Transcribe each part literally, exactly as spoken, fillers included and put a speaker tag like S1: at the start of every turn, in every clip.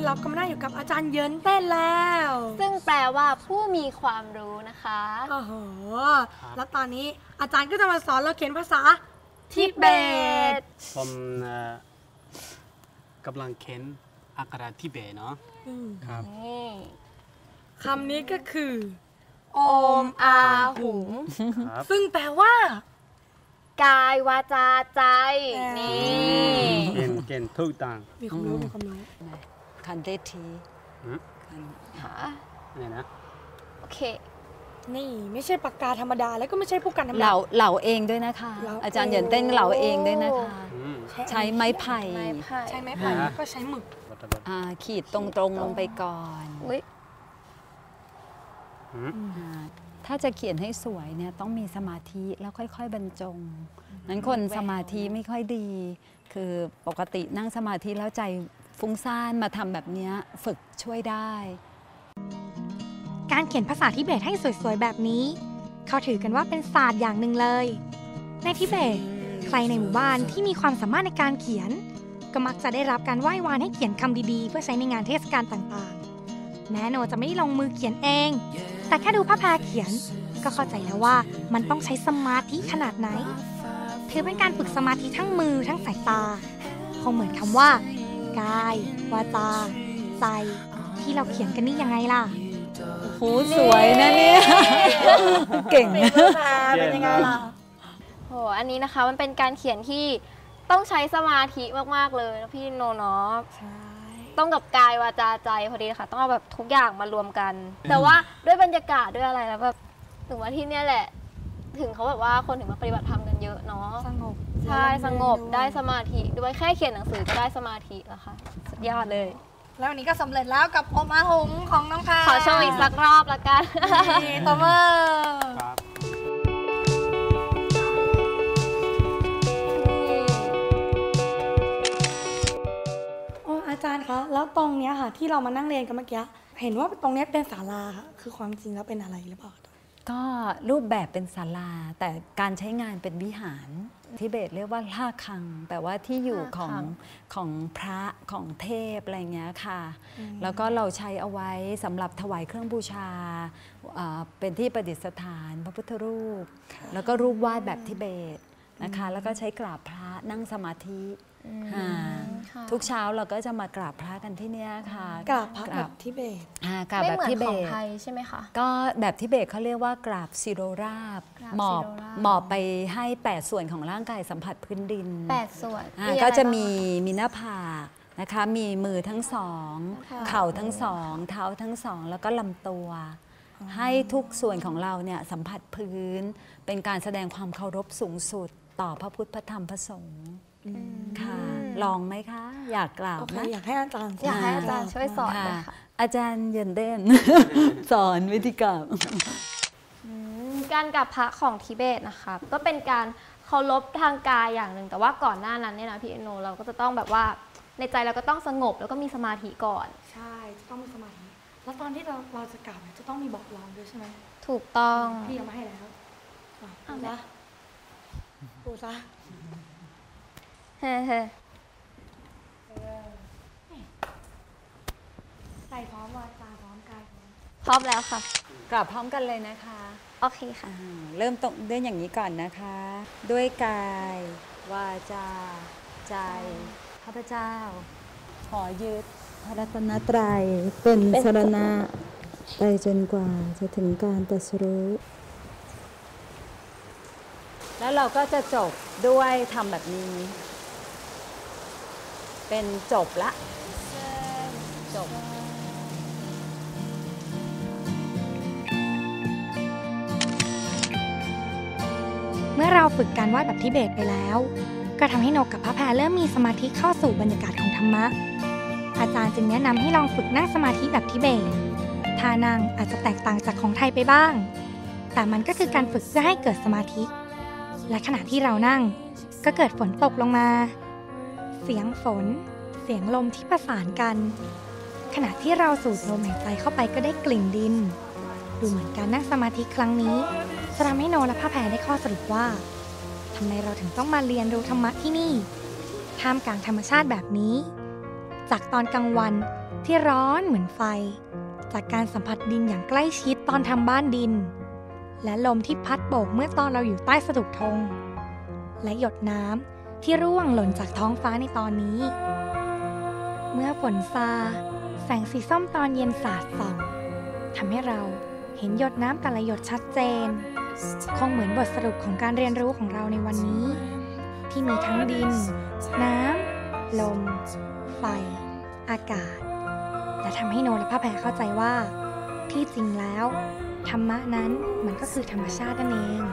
S1: เราก็มาได้อยู่กับอาจารย์เยินเต้นแล้ว
S2: ซึ่งแปลว่าผู้มีความรู้นะคะ
S1: โอ้โหแล้วตอนนี้อาจารย์ก็จะมาสอนเราเขียนภาษาทิเบต
S3: ผมกำลังเขียนอักขระทิเบตเนาะครับ
S1: คำนี้ก็คือ
S2: โอมอาหุง
S1: ซึ่งแปลว่
S2: ากายวาจาใจนี่
S3: เก่งเก่งทุกต่าง
S1: มีความรู้มีความรู้
S4: คันเดที
S2: ค่ะ
S3: นี่นะ
S2: โอเค
S1: นี่ไม่ใช่ปากกาธรรมดาแล้วก็ไม่ใช่ผู้กันธรรมดา
S4: เหลาเหลาเองด้วยนะคะอาจารย์เหยินเต้นเหลาเองด้วยนะคะใช้ไม้ไผ่
S1: ใช้ไม้ไผ่แล้วก็ใช้หมึก
S4: ขีดตรงๆลงไปก่อนถ้าจะเขียนให้สวยเนี่ยต้องมีสมาธิแล้วค่อยๆบรรจงนั้นคนสมาธิไม่ค่อยดีคือปกตินั่งสมาธิแล้วใจฟุ้งซ่านมาทำแบบนี้ฝึกช่วยได้
S5: การเขียนภาษาทิเบตให้สวยๆแบบนี้เขาถือกันว่าเป็นศาสตร์อย่างหนึ่งเลยในทิเบตใครในหมู่บ้านที่มีความสามารถในการเขียนก็มักจะได้รับการไหว้วานให้เขียนคำดีๆเพื่อใช้ในงานเทศกาลต่างๆแม้โนจะไม่ได้ลงมือเขียนเองแต่แค่ดูพระแพรเขียนก็เข้าใจแล้วว่ามันต้องใช้สมาธิขนาดไหนถือเป็นการฝึกสมาธิทั้งมือทั้งสายตาคงเหมือนคำว่ากายวาจาใจที่เราเขียนกันนี่ยังไงล่ะ
S4: โหสวยนะเนี่ยเก่ง
S1: เป็นยังไงล่ะ
S2: โหอันนี้นะคะมันเป็นการเขียนที่ต้องใช้สมาธิมากๆเลยนะพี่โนเนาะต้องกับกายวาจาใจพอดีค่ะต้องเอาแบบทุกอย่างมารวมกันแต่ว่าด้วยบรรยากาศด้วยอะไรแล้วแบบถึงว่าที่นี่แหละถึงเขาแบบว่าคนถึงมาปฏิบัติธรรมกันเยอะเนาะ
S1: สงบ
S2: ใช่สงบได้สมาธิด้วยแค่เขียนหนังสือก็ได้สมาธิแล้วค่ะสุดยอดเลย
S1: แล้ววันนี้ก็สำเร็จแล้วกับโอมาหงของน้องค่ะ
S2: ขอโชว์อีกสักรอบละกัน
S1: ต่อมาอาจารย์คะแล้วตรงเนี้ยค่ะที่เรามานั่งเรียนกันเมื่อกี้เห็นว่าตรงนี้เป็นศาลาค่ะคือความจริงแล้วเป็นอะไรหรือเปล่า
S4: ก็รูปแบบเป็นศาลาแต่การใช้งานเป็นวิหารทิเบตเรียกว่าล่าคังแปลว่าที่อยู่ของของพระของเทพอะไรเงี้ยค่ะแล้วก็เราใช้เอาไว้สำหรับถวายเครื่องบูชาเป็นที่ประดิษฐานพระพุทธรูปแล้วก็รูปวาดแบบทิเบตนะคะแล้วก็ใช้กราบพระนั่งสมาธิทุกเช้าเราก็จะมากราบพระกันที่นี่ค่ะ
S1: กราบพระแบบทิเบต
S4: กราบแบบทิเบต
S2: ไทยใช่ไหมคะ
S4: ก็แบบทิเบตเขาเรียกว่ากราบซิโรราบหมอบหมอบไปให้แปดส่วนของร่างกายสัมผัสพื้นดิน
S2: แปดส่วน
S4: ก็จะมีมีหน้าผากนะคะมีมือทั้งสองเข่าทั้งสองเท้าทั้งสองแล้วก็ลำตัวให้ทุกส่วนของเราเนี่ยสัมผัสพื้นเป็นการแสดงความเคารพสูงสุดต่อพระพุทธพระธรรมพระสงฆ์ค่ะลองไหมคะอยากกล่าวนะ
S1: อยากให้อาจารย์
S2: อยากให้อาจารย์ช่วยสอนเลยค่ะ
S4: อาจารย์เยินเต้นสอนวิธีกราบ
S2: การกราบพระของทิเบตนะคะก็เป็นการเคารพทางกายอย่างหนึ่งแต่ว่าก่อนหน้านั้นเนี่ยนะพี่เอโนเราก็จะต้องแบบว่าในใจเราก็ต้องสงบแล้วก็มีสมาธิก่อน
S1: ใช่จะต้องมีสมาธิแล้วตอนที่เราเราจะกราบจะต้องมีบอกลองด้วยใช่ไหม
S2: ถูกต้อง
S1: พี่เอามาให้แล้วเอาละดูซะ
S2: เฮ้เฮ้
S1: ใจพร้อมวาจาพร้อมกาย
S2: พร้อมแล้วค่ะ
S4: กราบพร้อมกันเลยนะคะ
S2: โอเคค่ะ
S4: เริ่มต้นด้วยอย่างนี้ก่อนนะคะด้วยกายวาจาใจข้าพเจ้าขอยึดพระรัตนตรัยเป็นสรณะไปจนกว่าจะถึงการตรัสรู้แล้วเราก็จะจบด้วยทำแบบนี้เป็นจบละจบ
S5: เมื่อเราฝึกการวาดแบบทิเบตไปแล้วก็ทำให้นกกับพระแพรเริ่มมีสมาธิเข้าสู่บรรยากาศของธรรมะอาจารย์จึงแนะนำให้ลองฝึกนั่งสมาธิแบบทิเบตท่านั่งอาจจะแตกต่างจากของไทยไปบ้างแต่มันก็คือการฝึกเพื่อให้เกิดสมาธิและขณะที่เรานั่งก็เกิดฝนตกลงมาเสียงฝนเสียงลมที่ประสานกันขณะที่เราสูดลมหายใจเข้าไปก็ได้กลิ่นดินดูเหมือนการนั่งสมาธิครั้งนี้จะทำให้โนและพระแพรได้ข้อสรุปว่าทำไมเราถึงต้องมาเรียนรู้ธรรมะที่นี่ท่ามกลางธรรมชาติแบบนี้จากตอนกลางวันที่ร้อนเหมือนไฟจากการสัมผัสดินอย่างใกล้ชิดตอนทำบ้านดินและลมที่พัดโบกเมื่อตอนเราอยู่ใต้สะดุกธงและหยดน้ำที่ร่วงหล่นจากท้องฟ้าในตอนนี้เมื่อฝนซาแสงสีส้มตอนเย็นสาดส่องทำให้เราเห็นหยดน้ำแต่ละหยดชัดเจนคงเหมือนบทสรุปของการเรียนรู้ของเราในวันนี้ที่มีทั้งดินน้ำลมไฟอากาศและทำให้โนและพระแพรเข้าใจว่าที่จริงแล้วธรรมะนั้นมันก็คือธรรมชาตินั่นเอง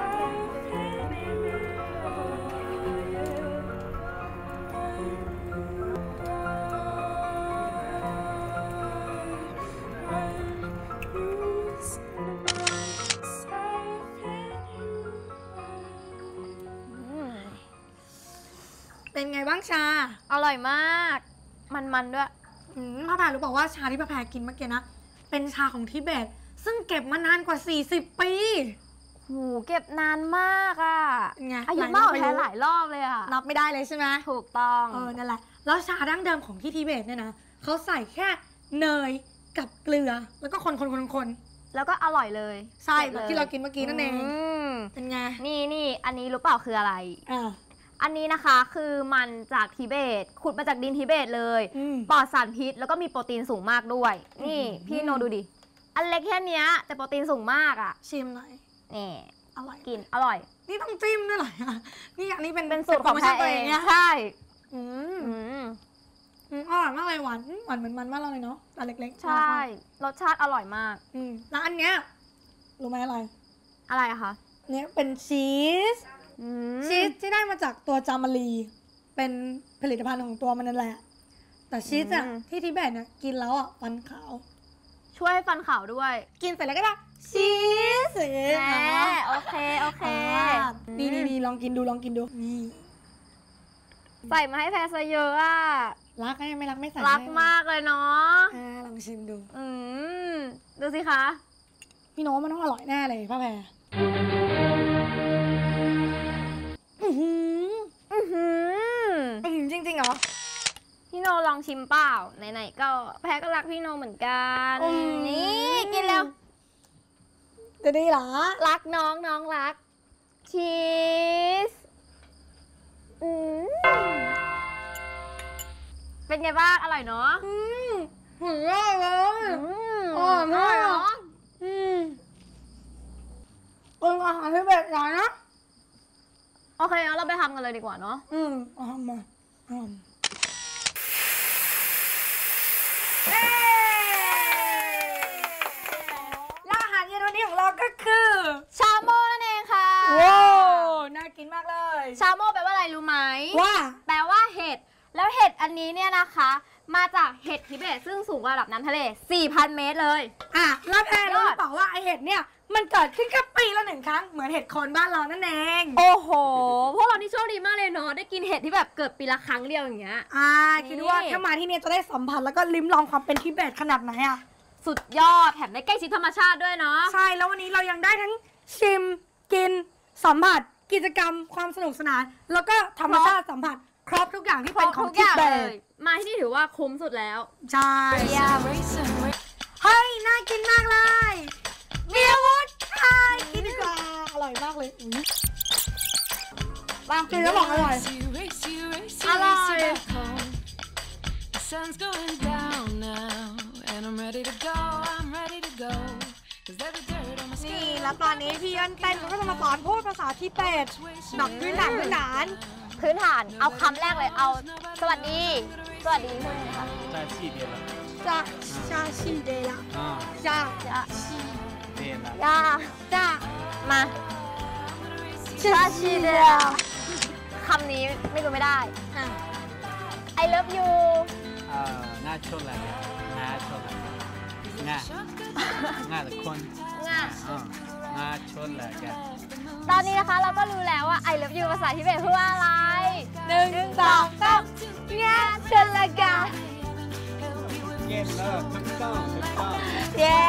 S1: เป็นไงบ้างชา
S2: อร่อยมาก มันๆด้วย
S1: อืมพระแพรรู้บอกว่าชาที่พระแพรกินเมื่อกี้นะเป็นชาของทิเบตซึ่งเก็บมานานกว่าสี่สิบปี
S2: หูเก็บนานมากอ่ะ
S1: ไง
S2: อายุมากกว่าแพ้หลายรอบเลยอ่ะ
S1: นับไม่ได้เลยใช่ไหม
S2: ถูกต้อง
S1: เออนั่นแหละแล้วชาดั้งเดิมของที่ทิเบตเนี่ยนะเขาใส่แค่เนยกับเกลือแล้วก็คนคนคนคน
S2: แล้วก็อร่อยเลย
S1: ใช่แบบที่เรากินเมื่อกี้นั่นเอง
S2: อืม
S1: เป็นไง
S2: นี่นี่อันนี้รู้เปล่าคืออะไร
S1: อ่า
S2: อันนี้นะคะคือมันจากทิเบตขุดมาจากดินทิเบตเลย
S1: อืม
S2: ปลอดสารพิษแล้วก็มีโปรตีนสูงมากด้วย นี่
S1: อืม
S2: พี่โนดูดิ อันเล็กแค่เนี้ยแต่โปรตีนสูงมากอ่ะ
S1: ชิมหน่อย
S2: นี่
S1: อร่อย
S2: กินอร่อย
S1: นี่ต้องจิ้มด้วยเหรอนี่อันนี้เป็น
S2: เป็นสูตรของ
S1: โป
S2: แพ
S1: โม
S2: ร
S1: ชั่นตัว
S2: เอ
S1: เอง งเนี่ย
S2: ใช่
S1: อืม
S2: อืม
S1: อืมอร่อยมากเลยหวานหวานเหมือนมันมากเลยเนาะอันเล็กๆ
S2: ใช่รสชาติอร่อยมาก
S1: อืมแล้วอันเนี้ยรู้ไหมอะไร
S2: อะไรอะคะ
S1: เนี่ยเป็นชีส
S2: อืม
S1: ชีสที่ได้มาจากตัวจามารี เป็นผลิตภัณฑ์ของตัวมันนั่นแหละ แต่ชีสอะที่ทิเบตเนี่ยกินแล้วอะฟันขาว
S2: ช่วยฟันขาวด้วย
S1: กินเสร็จแล้วก็ได้ชีส
S2: แหมโอเคโอเค
S1: นี่นี่นี่ลองกินดูลองกินดูนี่
S2: ใส่มาให้แพรซะเยอะอะ
S1: รักไงไม่รักไม่ใส่
S2: รักมากเลยเนาะ
S1: อ่าลองชิมดู
S2: อืมดูสิคะ
S1: พี่โน้ตมันต้องอร่อยแน่เลยพ่อแพรอือหือ
S2: อือหือ
S1: อื้อหือจริงๆเหรอ
S2: พี่โนลองชิมเปล่าไหนๆก็แพ้ก็รักพี่โนเหมือนกัน
S1: อืม
S2: นี่กินแล้ว
S1: จะดีเหรอ
S2: รักน้องน้องรักชีสอืมเป็นไงบ้างอร่อยเนาะ
S1: อืมหุ่นยอดเลย
S2: อืม
S1: อร่อยมาก
S2: เนาะ
S1: อืมเป็นอาหารที่เบตหน่อยนะ
S2: โอเคงั้นเราไปทำกันเลยดีกว่าเนาะ
S1: อืมเอาทำมาทำแล้วอาหารเย็นวันนี้ของเราก็คือ
S2: ชาโม่นั่นเองค่ะ
S1: ว้าวน่ากินมากเลย
S2: ชาโม่แปลว่าอะไรรู้ไหม
S1: ว่า
S2: แปลว่าเห็ด แล้วเห็ดอันนี้เนี่ยนะคะ มาจากเห็ดทิเบตซึ่งสูงกว่าระดับน้ำทะเล สี่พัน เมตรเลย
S1: อ่ะแล้วแพรรู้
S2: ย
S1: ห
S2: อ
S1: รื
S2: ด
S1: อเปล่าว่าไอเห็ดเนี่ยมันเกิดขึ้นแค่ปีละหนึ่งครั้งเหมือนเห็ดโคนบ้านเรานั่นเอง
S2: โอ้โห พวกเรานี่โชคดีมากเลยเนาะ ได้กินเห็ดที่แบบเกิดปีละครั้งเดียวอย่างเงี้ย
S1: อ่า
S2: นี่
S1: คิดว่าถ้ามาที่เนี่ยจะได้สัมผัสแล้วก็ลิ้มลองความเป็นทิเบตขนาดไหนอ่ะ
S2: สุดยอด แถมได้ใกล้ชิดธรรมชาติด้วยเนาะ
S1: ใช่แล้ววันนี้เรายังได้ทั้งชิมกินสัมผัสกิจกรรมความสนุกสนาน แล้วก็ธรรมชาติสัมผัสครบทุกอย่างที่เป็นของ
S2: ทุก
S1: ทิ
S2: อย่าง
S1: เบ
S2: เล
S1: ต
S2: ย มาที่นี่ถือว่าคุ้มสุดแล้ว
S1: ใช่
S2: เยี่ยม
S1: เฮ้ยน่ากินมากเลยเบียร์วูดไทยกินดีกว่าอร่อยมากเลยอุ๊ยบางกินแล้วบอกอร่อย
S2: อร่อย
S6: The sun's going down now, and I'm ready to go. I'm ready to go. 'Cause every dirt on my
S1: นี่
S6: skin.
S1: แล้วตอนนี้พี่เอิญเต้นก็จะมาสอนพูดภาษาทิเบตแบบพื้นฐานพื้นฐาน
S2: พื้นฐาน เอาคำแรกเลย เอา สวัสดี สวัสดีพูดเลยค่ะ
S3: 在细点了
S1: จะชาชีเดละ
S3: 啊
S1: จะ
S2: จะ
S3: 对了
S2: ยา
S1: จะ
S2: มาชาชีเดียคำนี้ไม่รู้ไม่ได้
S1: อ่ะ
S2: I love you
S3: 啊那出来了那出来了那那的坤
S2: ง่ะ
S3: 啊那出来了
S2: ตอนนี้นะคะเราก็รู้แล้วว่า I love you ภาษาทิเบตพูดว่าอะไร
S1: หนึ่งสองสาม
S2: งาเชลกา
S3: เย็นแล้วถูกต้องถูกต้อง
S2: เย้